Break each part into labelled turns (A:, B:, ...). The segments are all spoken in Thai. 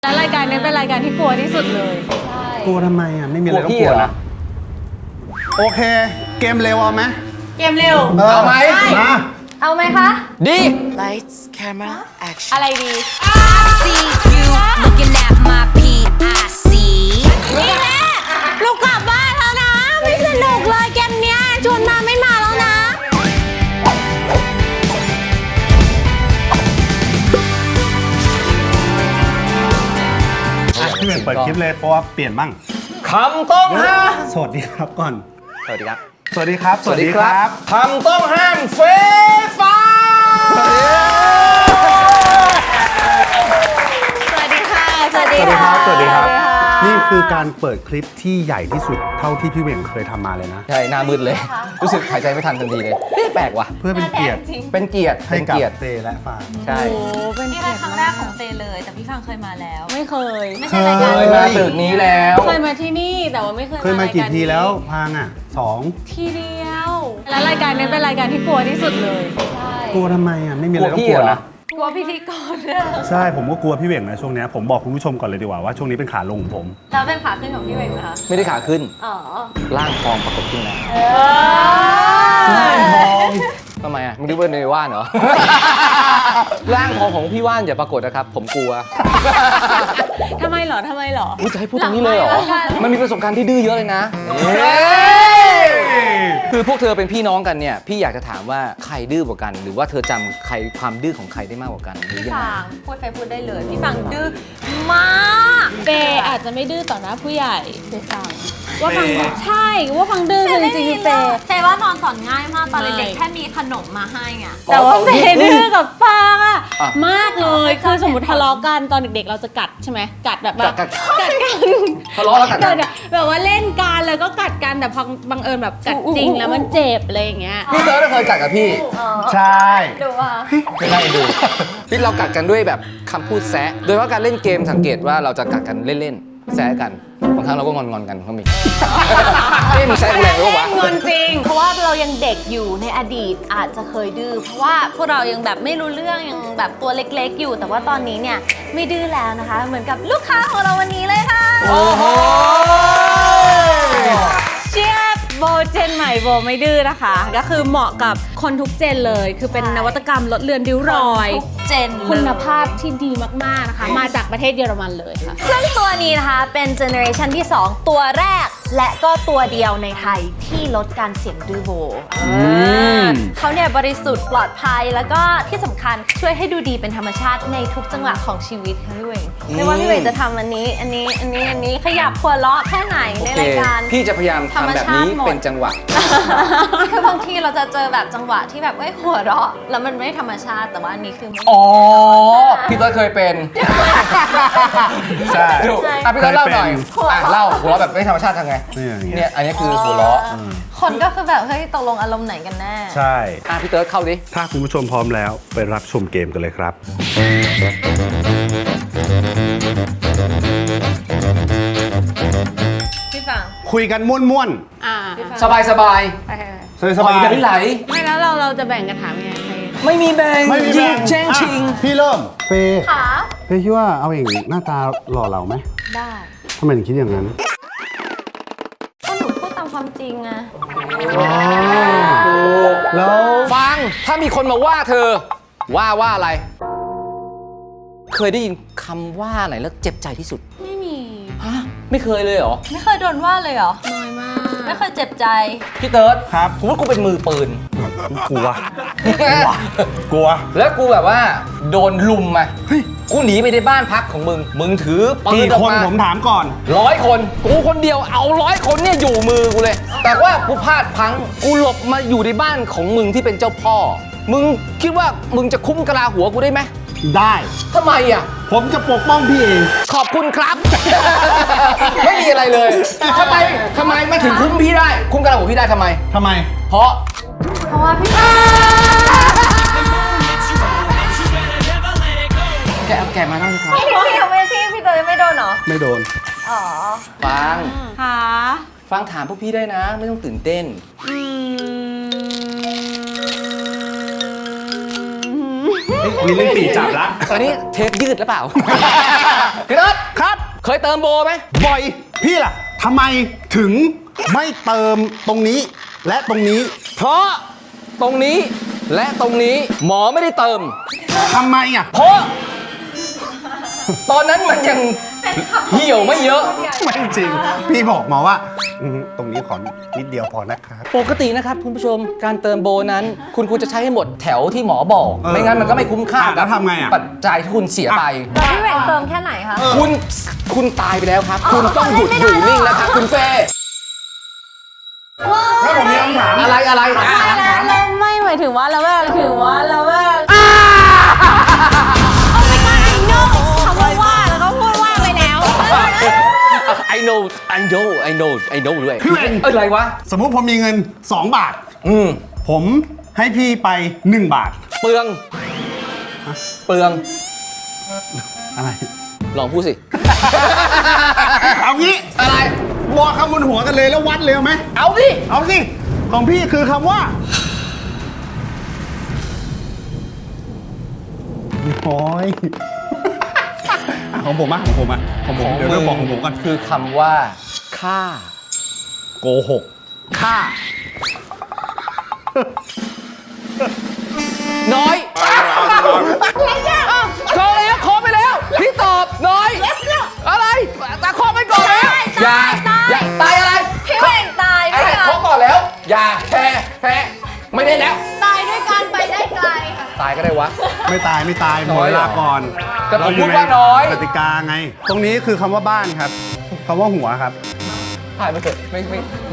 A: แล้วรายการนี้เป็นรายการที่กลัวที่สุดเลย
B: กลัวทำไมอ่ะไม่มีอะไรต้องกลัวนะโอเคเกมเร็วเอาไหม
A: เกมเร็ว
B: เอาไหมมา
A: เอาไหมคะ
C: ดี
D: Lights, camera, action.
A: อะไรดี
D: See you looking at my PIC.
A: นี่แหละลูกกลับบ้านแล้วนะไม่สนุกเลยเกมเนี้ยชวนมาไม่มาแล้วนะ
B: พี่เปิดคลิปเลยเพราะว่าเปลี่ยนบ้าง
C: คำต้องห้าม
B: สวัสดีครับก่อน
C: สวัสดีครับ
B: สวัสดีครับสวัสดีครับ
C: คำต้องห้ามเฟฟ้า
A: สวัสดีค่ะสวัส
B: ส
A: ดี
B: วัสดีค
A: ค่ะ
B: รับสวัสดีครับนี่คือการเปิดคลิปที่ใหญ่ที่สุดเท่าที่พี่เหว่งเคยทำมาเลยนะ
C: ใช่หน้ามืดเลย รู้สึกหายใจไม่ทันทันทีเลยแปลกว่ะ
B: เพื่อเป็นเกียรติ
C: เป็นเกียรติ
B: ให้
C: เป็น
B: กับ
C: เกียรติ
B: เตและฟาง
C: ใช่
A: โอ้เป็น
E: นี่เป็นครั้งแรกของเตเลย แต่พี่ฟังเคยมาแล้ว
A: ไม่เคย
E: ไม่ใช่รายการ
C: เคยมาตึกนี้แล้ว
A: เคยมาที่นี่แต่ว่าไม่เคย
B: เคยมากี่ทีแล้วพางอ่ะ2
A: ทีเดียวแล้วรายการนี้เป็นรายการที่กลัวที่สุดเลย
B: กลัวทำไมอ่ะไม่มีอะไรต้องกลัวนะ
E: กลัวพิธีกรเนี่ย
B: ใช่ผมก็กลัวพี่เหว่งนะช่วงนี้ผมบอกคุณผู้ชมก่อนเลยดีกว่าว่าช่วงนี้เป็นขาลงของผม
E: แล้วเป็นขาขึ้นของพี่เวงนะคะ
C: ไม่ได้ขาขึ้น
E: อ๋อ
C: ร่างทองปรากฏขึ้นแล้ว
B: ร่างทอง
C: ทำไมอ่ะมึงดูเป็นในว่านเหรอ ร่างทองของพี่ว่านอย่าปรากฏนะครับ ผมกลัว
A: ทำไมเหรอทำไมเหรอ
C: อุ๊ยจะให้พูดตรงนี้เลยเหรอ มันมีประสบการณ์ที่ดื้อเยอะเลยนะ คือพวกเธอเป็นพี่น้องกันเนี่ย พี่อยากจะถามว่าใครดื้อกว่ากัน หรือว่าเธอจำใครความดื้อของใครได้มากกว่ากันหรือยังไง
E: ฟังพูดได้เลย พี่ฟังดื้อมาก
A: เฟย์อาจจะไม่ดื้อต่อหน้าผู้ใหญ่เฟย์ฟังว่าฟังใช่ว่าฟังดื้อคือจริงๆคือเฟย์
E: เฟย์ว่านอนสอนง่ายมากตอนเด็ก
A: ใช่
E: ๆแค่มีขนมมาให้ไง
A: แต่ว่าเฟย์ดื้อกับฟังอะ
C: อ่ะ
A: มากเลยคือสมมติทะเลาะกันตอนเด็กๆ เราจะกัดใช่ไหมกัดแบบว่า
C: กัด
A: กัดกัน
C: ทะเลาะแล้วกัดกัน
A: แบบว่าเล่นกันแล้วก็กัดกันแต่พอบังเอิญแบบกัดจริงแล้วมันเจ็บอะไรอย่างเงี้ย
C: พี่เติร์ดเคยกัดกับพี่
B: ใช่
E: ดูว่า
C: ไม่ได้ดู พี่เรากัดกันด้วยแบบคำพูดแซะ โดยเฉพาะการเล่นเกมสังเกตว่าเราจะกัดกันเล่นๆ แซะกัน บางครั้งเราก็งอนๆกันก็มีเล่นแซะแรงหรือเปล่าวะ
A: เงินจริง
E: เพราะว่าเรายังเด็กอยู่ในอดีตอาจจะเคยดื้อเพราะว่าพวกเรายังแบบไม่รู้เรื่องยังแบบตัวเล็กๆอยู่ แต่ว่าตอนนี้เนี่ยไม่ดื้อแล้วนะคะ เหมือนกับลูกค้าของเราวันนี้เลยค่ะ
C: โอ้โห
A: เชียร์โบเจนใหม่โบไม่ดื้อนะคะ ก็คือเหมาะกับคนทุกเจนเลย คือเป็นนวัตกรรมลดเลือนริ้วรอย
E: ทุกเจนเลย
A: คุณภาพที่ดีมาก ๆ นะคะ มาจากประเทศเยอรมันเลยค่ะ
E: ซึ่งตัวนี้นะคะเป็นเจเนอเรชันที่ 2 ตัวแรกและก็ตัวเดียวในไทยที่ลดการเสี่ยงดื้อโบเขาเนี่ยบริสุทธิ์ปลอดภัยแล้วก็ที่สำคัญช่วยให้ดูดีเป็นธรรมชาติในทุกจังหวะของชีวิตค่ะพี่เวงไม่ว่าพี่เวงจะทำอันนี้ขยับหัวเราะแค่ไหนในรายการ
C: พี่จะพยายามทำแบบนี้
E: ธรรมชาติหมด
C: เป็นจังหวะ
E: คือบางทีเราจะเจอแบบจังหวะที่แบบเอ้ยหัวเราะแล้วมันไม่ธรรมชาติแต่ว่าอันนี้คือไม่
C: อ๋อ พี่เติร์ดเคยเป็น
B: ใช่
C: ดูอ่ะพี่เติร์ดเล่าหน่อย
E: เคยเป็น
C: อ่ะเล่าหัวเราะแบบไม่ธรรมชาติทำไง
B: นี่อย่างเงี้ย
C: เนี่ยอันนี้คือหัวเราะ
E: คนก็คือแบบเฮ้ยตกลงอารมณ์ไหนกันแน่
B: ใช่
C: อ่ะพี่เติร์ดเข้าดิ
B: ถ้าคุณผู้ชมพร้อมแล้วไปรับชมเกมกันเลยครับ
E: พี่ฟัง
B: คุยกันม่วน
A: อ่า
C: สบายสบาย
B: ๆสบายๆ
C: ไหลไหล
A: ไม่แล้วเราจะแบ่งกันถามยังไงใคร
C: ไม่มีแบ่ง
B: ไม่มี
C: ยิ
B: แบ่
C: งแจ้งชิง
B: อ่ะพี่เริ่มเฟย์
E: ขา
B: เฟย์คิดว่าเอาเองหน้าตาหล่อเหลาไหม
E: ได้
B: ทำไมถึงคิดอย่างนั้น
E: ก็หนูพูดตามความจริงไง
B: แล้ว
C: ฟัง ถ้ามีคนมาว่าเธอ ว่าอะไร เคยได้ยินคำว่าไหนแล้วเจ็บใจที่สุด
A: ไม่มี
C: ฮะ ไม่เคยเลยเหรอ
E: ไม่เคยโดนว่าเลยเหรอ
A: น้อยมาก
E: ไม่เคยเจ็บใจ
C: พี่เติร์ด
B: ครับ
C: กูว่ากูเป็นมือปืน
B: กลัว กลัว
C: แล้วกูแบบว่า โดนลุมมากูหนีไปในบ้านพักของมึง มึงถือปืน
B: กี่
C: ออก
B: คน
C: มา
B: ผมถามก่อน
C: 100 คน กูคนเดียวเอา100 คนเนี่ยอยู่มือกูเลย แต่ว่ากูพลาดพลั้ง กูหลบมาอยู่ในบ้านของมึงที่เป็นเจ้าพ่อ มึงคิดว่ามึงจะคุ้มกะลาหัวกูได้ไหม
B: ได้
C: ทำไมอ่ะ
B: ผมจะปกป้องพี่เอง
C: ขอบคุณครับ ไม่มีอะไรเลยทำไมมันถึงคุ้มพี่ได้ คุ้มกะลาหัวพี่ได้ทำไม
B: ทำไม
C: เพราะ
E: เพราะว่าพี่
C: แกมานั่งครับ
E: พี่ยังไม่พี่เตยไม่โดนเหรอ
B: ไม่โดน
E: อ๋อ
C: ฟัง
A: ค่ะ
C: ฟังถามพวกพี่ได้นะ ไม่ต้องตื่นเต้น
A: อืม
B: มีเรื่องตีจับละ
C: อันนี้เทปยืดหรือเปล่า พี่รถ
B: ครับ
C: เคยเติมโบไหม
B: บ่อย พี่ล่ะทำไมถึงไม่เติมตรงนี้และตรงนี้
C: เพราะตรงนี้และตรงนี้หมอไม่ได้เติม
B: ทำไมอ่ะ
C: เพราะตอนนั้นมันยังเหี่ยวไม่เยอะ
B: ไม่จริง พี่บอกหมอว่าตรงนี้ขอนิดเดียวพอนะครับ
C: ปกตินะครับคุณผู้ชมการเติมโบนั้น คุณควรจะใช้ให้หมดแถวที่หมอบอก ไม่งั้นมันก็ไม่คุ้มค่า
B: แล้
C: กั
B: วทำไงอ่ะ
C: ปัจจัยที่คุณเสียไป
E: แล้วพี่แหว่งเติมแค่ไหนคะ
C: คุณตายไปแล้วครับ คุณต้องหยุดอยู่นิ่งแล้วครับคุณเฟ่
B: ถ้าผมมีคำถาม
C: อะไรอะไรอ่ะ
A: เราไม่หมายถึงว่าเราว่าถือว่าเราว่าคำว่าแล้วก็พูดว่าไปแล้ว
C: I know ด้วย
B: พี่เวง
C: อะไรวะ
B: สมมุติผมมีเงิน 2 บาท ผมให้พี่ไป 1 บาท
C: เปลือง
B: อะไร
C: ลองพูดสิ
B: เอางี้
C: อะไร
B: บอกคำบนหัวกันเลยแล้ววัดเลยเอาไหม
C: เอาสิ
B: เอาสิ ของพี่คือคำว่าโอ้ยของผมอะของผมอะของผมเดี๋ยวเริ่มบอกของผมก่อน
C: คือคำว่าค่า
B: โกหกฆ่า
C: น้อยขอแล้วขอไปแล้ว พี่ตอบน้อย อะไรตาขอไปก่อนแล้วอย่าตายอะไร
E: พี่แหว่งตาย
C: อะ
E: ด้ว
C: ไร
E: ยกั
C: ขอน ก่อนแล้ว อย่าแพ้ไม่ได้แล้ว
E: ตายด้วยกันไปได้ไกลค่ะ
C: ตายก็ได้วะ
B: ไม่ตายหมดเวลาก่อน
C: แต่ผม
B: เรยู่
C: พูดว่าน้อย
B: กติกาไง ตรงนี้คือคำว่าบ้านครับคำว่าหัวครับ
C: ถ่ายมาเถอะไม่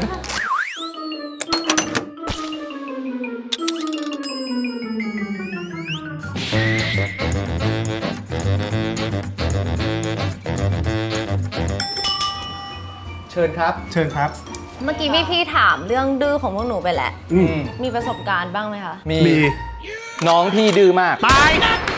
C: เชิญครับ
B: เชิญครับ
E: เมื่อกี้พี่ถามเรื่องดื้อของพวกหนูไปแล้ว
C: ม
E: มีประสบการณ์บ้างไหมคะ
C: มี
B: มี
C: น้องพี่ดื้อมาก
B: ตาย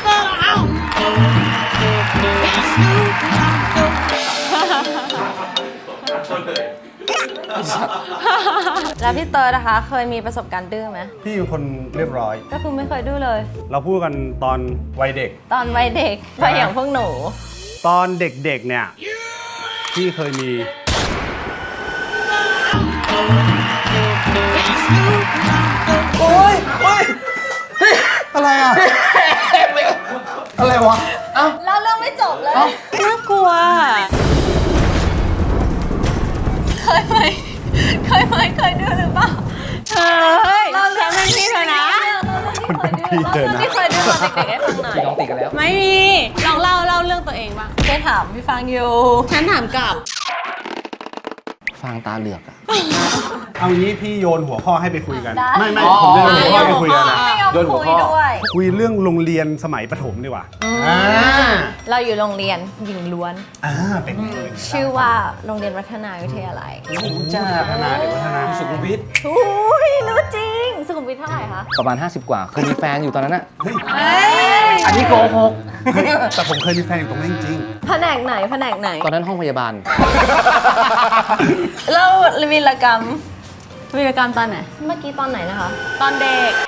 E: แล้วพี่เตอร์นะคะ เคยมีประสบการณ์ดื้อไหม
B: พี่เป็นคนเรียบร้อย
E: ก็คือไม่เคยดื้อเลย
B: เราพูดกันตอนวัยเด็ก
E: ตอนวัยเด็กไปอย่างพวกหนู
B: ตอนเด็กๆเนี่ยพี่เคยมี
C: โอ้ย
B: อะไรอ่ะ อะไรวะ
E: แล้วเรื่องไม่จบเลย
A: น่ากลัว
E: เคยไหมเคยดื้อหรือเปล่า
A: เฮ้ยฉันเป็นพี่เธอนะ
B: คนเป็นพี่เธอนะ
E: พี่เคยดื้อตอนเด็กๆให้ฟังหน่อย
C: พี่น้องติดกันแล้ว
A: ไม่มีลองเล่าเรื่องตัวเองบ้าง
E: เคยถามพี่ฟังอยู่
A: ฉันถามกลับ
C: ฟางตาเหลือกอะ
B: เอางี้พี่โยนหัวข้อให้ไปคุยกัน
E: ได้
B: ไม่
C: อ๋อ
B: ผมโยนหัวข้อให้ไปคุยกันนะ
E: ไม่ยอม
C: โดนหัว
E: คุย
C: ข้อ
E: ด้วย
B: คุยเรื่องโรงเรียนสมัยประถมดีกว่า
E: เราอยู่โรงเรียนหญิงล้วน
B: เป็นไง
E: ชื่อว่าโรงเรียนวัฒนาวิทยาลัย
C: จ้า
B: พัฒนาเด็กพัฒนา
C: สุขุมวิท
E: อุ้ยรู้จริง สุขุมวิทเท่าไหร่คะ
C: ประมาณ 50 กว่าเคยมีแฟนอยู่ตอนนั้นอะ
B: เฮ้ย
C: อันนี้โกหก
B: แต่ผมเคยมีแฟนอยู่ตรงนั้นจริง
E: แผนกไหนแผนกไหน
C: ตอนนั้นห้องพยาบาล
E: เล่าวีรกรรม
A: วีรกรรมตอนไหน
E: เมื่อกี้ตอนไหนนะคะ
A: ตอนเด็ก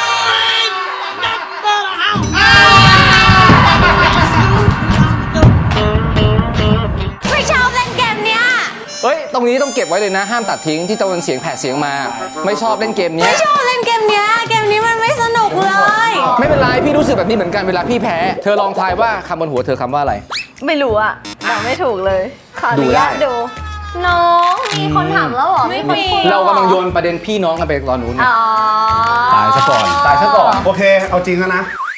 E: ไม่ชอบเล่นเกมเนี้ย
C: เฮ้ย ตรงนี้ต้องเก็บไว้เลยนะ ห้ามตัดทิ้งที่ตะวันเสียงแผดเสียงมา ไม่ชอบเล่นเกมเนี้ย
A: ไม่ชอบเล่นเกมเนี้ย เกมนี้มันไม่สนุกเลย
C: ไม่เป็นไร พี่รู้สึกแบบนี้เหมือนกันเวลาพี่แพ้ เธอลองทายว่าคำบนหัวเธอคำว่าอะไร
E: ไม่รู้อะแต่ไม่ถูกเลย ขออ
C: ดู
E: นุ
C: ได้
E: ญาตดู น้องมีคนถามแล้วเหรอ
A: ไม่
E: คน
A: มี
E: คุย
C: เรากำลังโยนประเด็นพี่น้องกันไปตอนนู้นไง
E: อ๋อ
B: ตายซะก่อน
C: ตายซะก่อน
B: โอเค เอาจริงแล้วนะ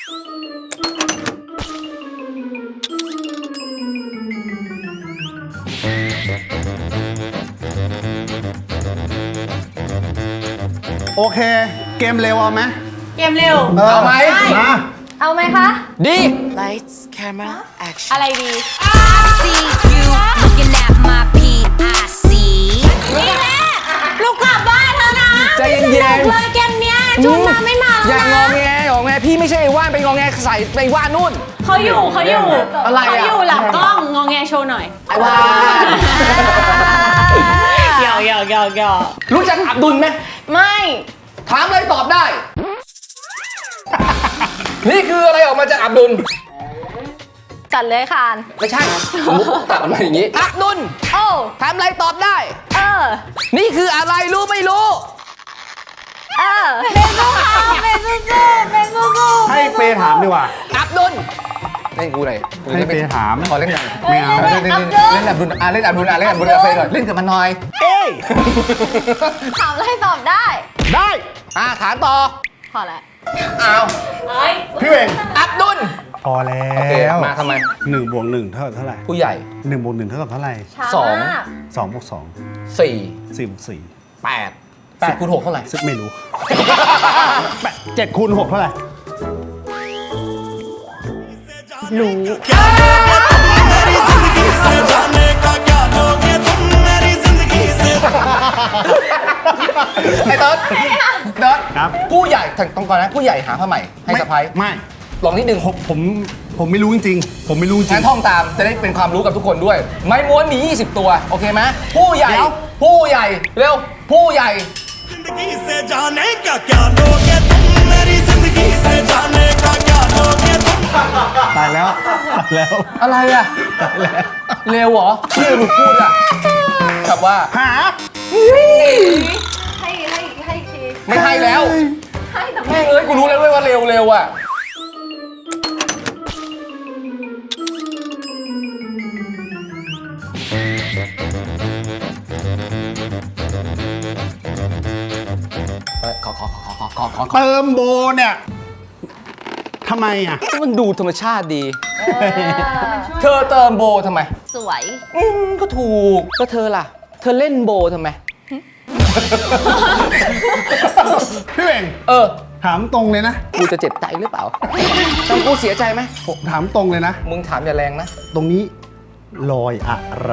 B: โอเค เกมเร็วเอาไหม
A: เกมเร็ว
C: เอาไหม
B: มา
E: เอาไหมคะ
C: ดี
D: Lights, camera, action.
A: อะไรดี
D: See you looking at my PIC.
A: นี่แม่ลูกกลับบ้านเธอนะ
C: ใจเย็นๆ
A: สนุกเลยเกมเนี้ยชุดมาไม่มา
C: อ
A: แล้ว
C: ย่างง
A: นะ
C: อแงพี่ไม่ใช่ไอ้ว่านไปงอแงใส่ไปว่านนู่น
A: เขาอยู่
C: อะไรอะ
A: เขาอยู่หลังกล้องงอแงโชว์หน่อย
C: ไอ้ว่าน
A: หยอก
C: รู้จักอับดุลไหม
E: ไม่
C: ถามเลยตอบได้นี่คืออะไรออกมาจากอับดุล
E: จัดเลยคาน
C: ไม่ใช่มุกตัดออกมาอย่างนี้อับดุล
E: โอ้
C: ถามอะไรตอบได้
E: เออ
C: นี่คืออะไรรู้ไม่รู้
E: เออเป็นสู้ๆเป็นสู้ๆ
B: ให้เฟย์ถามดีกว่า
C: อับดุลเล่นกูเลย
B: ให้เฟย์ถาม
C: ขอเล่นหน่อย
B: ไม่เอา
C: เล่นอับดุลเล่นอับดุลเล่นอับดุลกับเฟย์ก่อนเล่นกับมันหน่อย
B: เอ้ย
E: ถามอะไรตอบได้
B: ได้
C: ถามต่อ
E: พอแล้ว
C: อ้าว
B: พี่เวง
C: อับดุล
B: พอแล้
C: โอเคว มาทำไม
B: 1 บวก 1 เท่ากับเท่าไหร่
C: ผู้ใหญ่
B: 1 บวก 1 เท่ากับเท่าไหร่
E: ช้า
C: สอง
E: มาก
B: 2 บวก 2
C: 4
B: 4 บวก 4
C: 8 10คูณ6เท่าไหร่
B: ซึ่งไม่รู้ 7 คูณ 6 เท่าไหร่ รู้
C: ไอ้เติร์ด
B: ครับ
C: ผู้ใหญ่ต้องก่อนนะผู้ใหญ่หาผ้าใหม่ให้สะพ้าย
B: ไม่
C: ลองนิดนึง
B: ผมไม่รู้จริงๆ ผมไม่รู้จริ
C: งั้
B: ง
C: นท่องตามจะได้เป็นความรู้กับทุกคนด้วย ไม้ม้วนมี 20 ตัว โอเคไหมผู้ใหญ่
B: เดี๋ยว
C: ผู้ใหญ่เร็วผู้ใหญ่
F: जिंदगी से जाने का क्या लोगे तुम मेरी जिंदगी से जाने का क्या लोगे तुम
B: ตายแล้วตายแล้ว
C: อะไรอะเร็วเหรอที่มึงพูดอะกับว่า
B: หา
E: ให้ที
C: ไม่ให้แล้ว
E: ให้แต่
C: แม่งเอ้ยกูรู้แล้วด้วยว่าเร็วอะขอ
B: เติมโบเนี่ยทำไมอ่ะ
C: มันดูธรรมชาติดี เธอเติมโบทำไม
E: สวย
C: ก็ถูก ก็เธอล่ะ เธอเล่นโบทำไม
B: พี่เวง ถามตรงเลยนะ
C: กูจะเจ็บใจหรือเปล่าทำกูเสียใจไหม
B: ผมถามตรงเลยนะ
C: มึงถามอย่าแรงนะ
B: ตรงนี้ลอยอะไร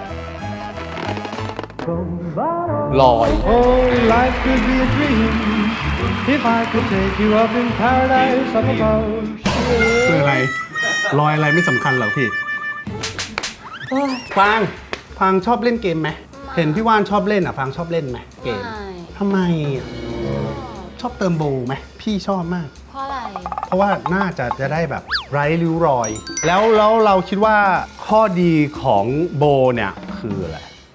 C: ลอย
G: Oh, life could be a dream if I could take you up in paradise up above.
B: คืออะไร ลอยอะไรไม่สำคัญหรอกพี่ฟางชอบเล่นเกมไหม เห็นพี่ว่านชอบเล่นอ่ะฟางชอบเล่นไหมเกมทำไมอ่ะชอบเติมโบไหมพี่ชอบมาก
E: เพราะอะไร
B: เพราะว่าน่าจะได้แบบไร้ริ้วรอย แล้วเราคิดว่าข้อดีของโบเนี่ยคืออะไร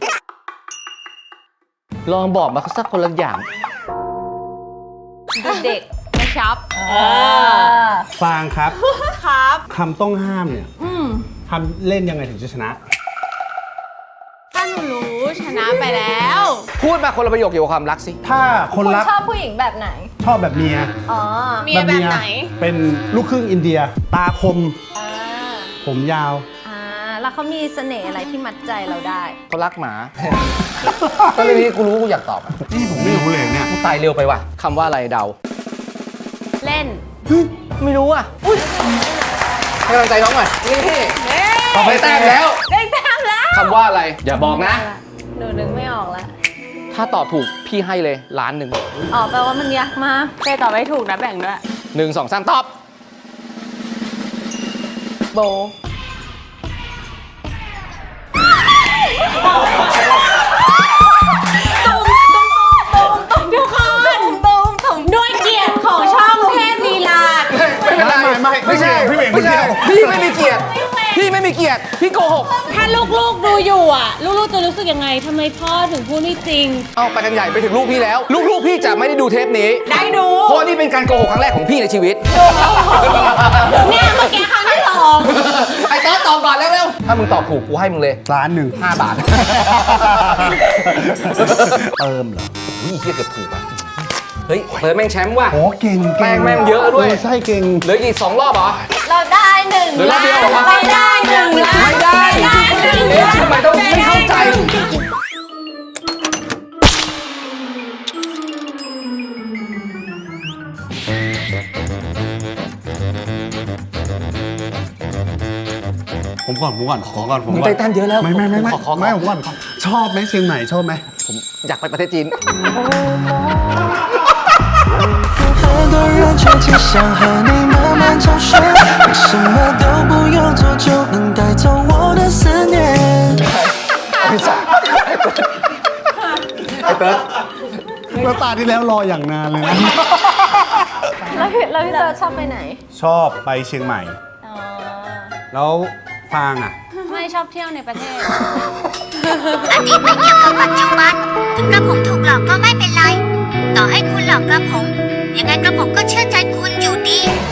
C: ลองบอกมาสักคนละอย่าง
E: ดูเด็กกระชับ
B: ฟางครับ
A: ครับ
B: คำต้องห้ามเนี่ยทำเล่นยังไงถึงจะชนะ
A: ถ้าหนูรู้ชนะไปแล้ว
C: พูดมาคนละประโยคเกี่ยวกับความรักสิ
B: ถ้าคน
E: คุณ
B: รัก
E: ชอบผู้หญิงแบบไหน
B: ชอบแบบเมีย
E: อ๋อ
A: เมียแบบไหน
B: เป็นลูกครึ่งอินเดีย ตาคม
E: อ่า
B: ผมยาว
E: แล้วเขามีเสน่ห์อะไรที่มัดใจเราได้
C: เขารักหมา ก็เรื่องนี้กูรู้กูอยากตอบอะ
B: นี่ผมไม่รู้เลยเนี่ย
C: กูตายเร็วไปว่ะคำว่าอะไรเดา
A: เล่น
C: ไม่รู้อ่ะอุ้ยให้กำลังใจน้องหน่อยนี่ต่อไปแต้มแล้ว
A: ได้แต้มแล้ว
C: คำว่าอะไร อย่าบอกนะ
E: หนูนึกไม่ออกแล้ว
C: ถ้าตอบถูกพี่ให้เลย1,000,000
E: อ๋อแปลว่ามันยากมาก
A: เฟย์ตอบไม่ถูกนะแบ่งด้วย
C: 1 2 3ตอบ
E: โบ
A: ทุกคนด้วยเกียรติของช่องเทพลีลา
C: ไม่เป็นไร
B: ไม่ใช่ พี่เวง
C: ไม่ใช่
B: พี่
C: พี่ไม่มีเกียรติ พี่ไม่มีเกียรติ พี่โกหก
A: ถ้าลูกๆดูอยู่อ่ะ ลูกๆจะรู้สึกยังไงทำไมพ่อถึงพูดไม่จริง
C: เอาไปกันใหญ่ไปถึงลูกพี่แล้ว ลูกพี่จะไม่ได้ดูเทปนี้
A: ได้ดู
C: เพราะนี่เป็นการโกหกครั้งแรกของพี่ในชีวิต
A: เนี่ยเมื่อกี้ครั้งที่สอง
C: ไอ้ต๊อดตอบก่อนเร็วๆถ้ามึงตอบถูกกูให้มึงเลย
B: 1,000,000
C: 5 บาท
B: เติมเหรอ
C: นี่เกียเกือบถูกอ่ะ เฮ้ยเปิดแม่งแชมป์ว่ะ
B: โอ้เก่ง
C: แม่งเยอะด้วย
B: ใช่เก่ง
C: เหลืออีก2 รอบเหรอ
E: เราได้หนึ่ง
C: เหลือรอบเดียวเหรอวะ
E: ไม่ได้หนึ่งล้าน
C: ไม่ได้เอ๊ะทำไมต้องไม่เข้าใจ
B: ผมก่อน
C: มึงได้แต้มเยอะแล้ว
B: ไม่
C: ขอ
B: ไม่ผมก่อนชอบไหมเชียงใหม่ชอบไหม
C: ผมอยากไปประเทศจีน
F: 很多人却只想和你慢慢重睡，你什么都不用做就能带走我的思念。
C: ไอ้เติร์ด
B: แล้วตาที่แล้วรออย่างนานเลยนะ
E: แล้วแล้วพี่เตอร์ชอบไปไหน
B: ชอบไปเชียงใหม่
E: อ๋อ
B: แล้วฟางอ่ะ
A: ไม่ชอบเที่ยวในประเทศ
D: อดีตไม่เกี่ยวกับปัจจุบันถึงกระผมถูกหลอกก็ไม่เป็นไร ต่อให้คุณหลอกกระผม ยังไงกระผมก็เชื่อใจคุณอยู่ดี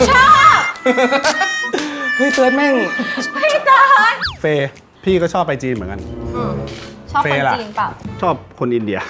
C: เฮ้ยเติร์ดแม่ง
B: เฟย์พี่ก็ชอบไปจีนเหมือนกัน
E: ชอบ
B: เฟ
E: คน
B: ย์ล่ะ
E: จีนเปล่า
B: ชอบคนอินเดีย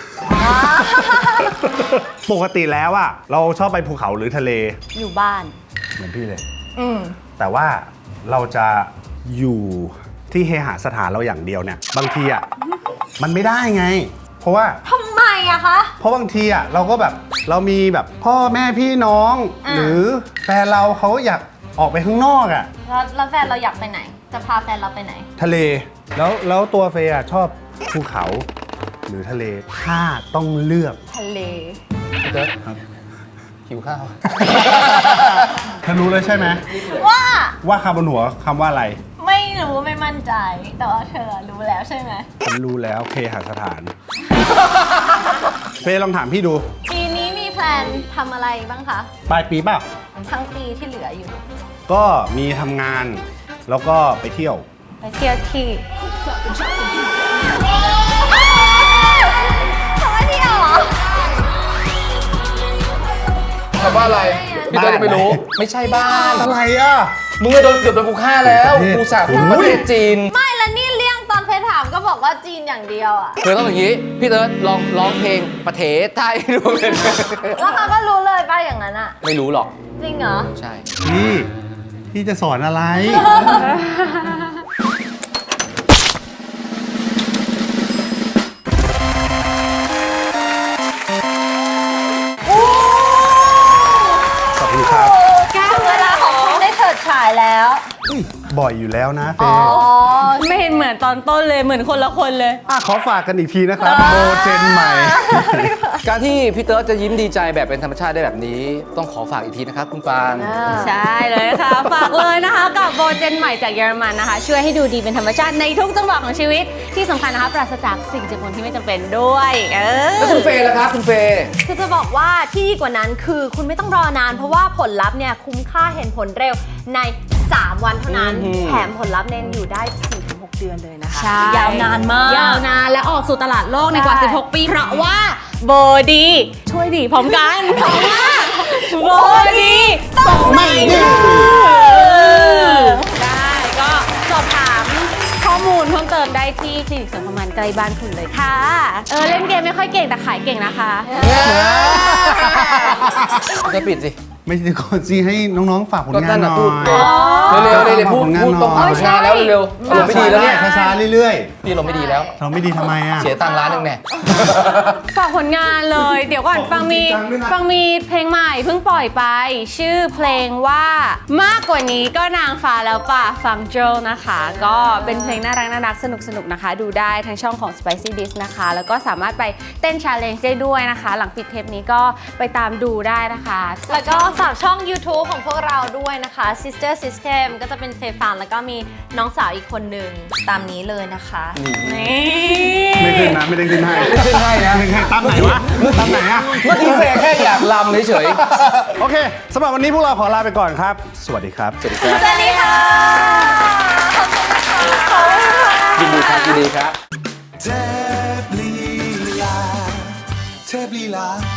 B: ปกติแล้วอะเราชอบไปภูเขาหรือทะเล
E: อยู่บ้าน
B: เหมือนพี่เลย แต่ว่าเราจะอยู่ที่เฮหาสถานเราอย่างเดียวเนี่ย บางทีอะมันไม่ได้ไง เพราะว่า
E: ทำไมอะคะ
B: เพราะบางทีอะเราก็แบบเรามีแบบพ่อแม่พี่น้อง หรือแฟนเราเขาอยากออกไปข้างนอกอะ
E: แล้วแฟนเราอยากไปไหน จะพาแฟนเราไปไหน
B: ทะเลแล้วตัวเฟย์อะชอบภูเขาหรือทะเลถ้าต้องเลือก
E: ทะเล
C: พี่เติร์ดหิวข้าว
B: เธอรู้เลยใช่ไหม
E: ว่า
B: ว่าคำบนหัวคำว่าอะไร
E: ไม่รู้ไม่มั่นใจ แต่ว่าเธอรู้แล้วใช่ไหม
B: ฉันรู้แล้วเคหสถาน เฟย์ลองถามพี่ดู
E: ปีนี้มีแพลนทำอะไรบ้างคะ
B: ปลายปีเปล่า
E: ทั้งปีที่เหลืออยู่
B: ก็มีทำงานแล้วก็ไปเที่ยว
E: ไปเที่ยวที่ทำไมเที่ยวเหรอ
C: คำว่าอะไร พี่เติร์ดยังไม่รู้ ไม่ใช่บ้าน
B: อะไรอ่ะ
C: มึงก็เกือบโดนกูฆ่าแล้ว กูสาบประเทศจีน
E: ไม่แล้วนี่เลี่ยงตอนเพจถามก็บอกว่าจีนอย่างเดียวอะ
C: เธอต้องอย่างนี้ พี่เติร์ดลองร้องเพลงประเทศไทยดูเลย
E: แล้วเขาก็รู้เลยป่ะอย่างนั้นอะ
C: ไม่รู้หรอก
E: จริงเหรอ
C: ใช่
B: พี่จะสอนอะไร ขอบคุณครับ
E: เวลาของคุณได้เถิดฉายแล้ว
B: อุ๊ยบ่อยอยู่แล้วนะเฟ
E: อ๋อ
B: ย์
A: ไม่เห็นเหมือนตอนต้นเลยเหมือนคนละคนเลย
B: ขอฝากกันอีกทีนะครับโบเจนใหม่
C: การที่พี่เติร์ดจะยิ้มดีใจแบบเป็นธรรมชาติได้แบบนี้ ต้องขอฝากอีกทีนะครับคุณปาง
A: ใช่เลยค่ะ ฝากเลยนะคะกับโบเจนใหม่จากเยอรมันนะคะ ช่วยให้ดูดีเป็นธรรมชาติในทุกจังหวะของชีวิตที่สำคัญนะคะปราศจากสิ่งเจือปนที่ไม่จำเป็นด้วย
C: แล้วคุณเฟย์ล่ะครับคุณเฟย์
E: คือจะบอกว่าที่ดีกว่านั้นคือคุณไม่ต้องรอนาน เพราะว่าผลลัพธ์เนี่ยคุ้มค่าเห็นผลเร็วใน 3 วันเท่านั้น แถมผลลัพธ์เน้นอยู่ได้ 4-6 เดือนเลยนะคะ
A: ใช่
E: ยาวนานมาก
A: ยาวนานและออกสู่ตลาดโลกในกว่า
E: ใช่
A: 16 ปี เพราะว่าโบดีช่วยดีพร้อมกัน เพราะว่าโบดีต้องไม่ดื้อได้ก็สอบถามข้อมูลเพิ่มเติมได้ที่คลินิกเสริมความงามใกล้บ้านคุณเลยค่ะ เล่นเกมไม่ค่อยเก่งแต่ขายเก่งนะคะ
C: จะปิดสิ
B: ไม่ใช่ก่อนสิให้น้องๆฝากผลงานหน่
C: ก็นั่นน่ะพูด
B: อย
C: เร็วๆเลยพูด
B: ฝากผลงาน
C: พูด
B: ห
C: ตรง
B: น่อย
C: ผลงานแล้วเร็วๆอารมณ์ไม่ดีแล้วเนี่ย
B: ช้าๆเรื่อย
C: พี่อารมณ์ไม่ดีแล้ว
B: ๆ เราไม่ดีทำไมอ่ะ
C: เสียตังค์ร้านหนึงแน่
A: ฝากผลงานเลย เดี๋ยวก่อน
B: บอก
A: ฟังมี
B: จริงจังด้วยนะ
A: ฟังมีเพลงใหม่เพิ่งปล่อยไป ชื่อเพลงว่ามากกว่านี้ก็นางฟ้าแล้วป่ะฟังโจนะคะ ก็เป็นเพลงน่ารักสนุกนะคะ ดูได้ทั้งช่องของ Spicy Dish นะคะ แล้วก็สามารถไปเต้น challenge ได้ด้วยนะคะ หลังปิดเทปนี้ก็ไปตามดูได้นะคะ
E: แล้วก็ฝากช่อง YouTube ของพวกเราด้วยนะคะ Sister System ก็จะเป็นเฟย์ฟานแล้วก็มีน้องสาวอีกคนหนึ่งตามนี้เลยนะคะ
A: นี่
B: ไม่ขึ้นนะ ไม่ได้ขึ้นให้
C: ไม่ขึ้นให้นะ
B: ไม่ขึ้นให้ตั้มไหนวะตั้มไหนอ่ะ
C: เมื่อกี้เฟย์แค่อยากลำเฉย
B: โอเคสำหรับวันนี้พวกเราขอลาไปก่อนครับ สวัสดีครับ
C: ๆสวัสดีครับ
E: สวัสดีค่ะ ขอบคุณค่ะ
C: ยินดีครับยินดีครับ
F: เทพลีลาเทพลีลา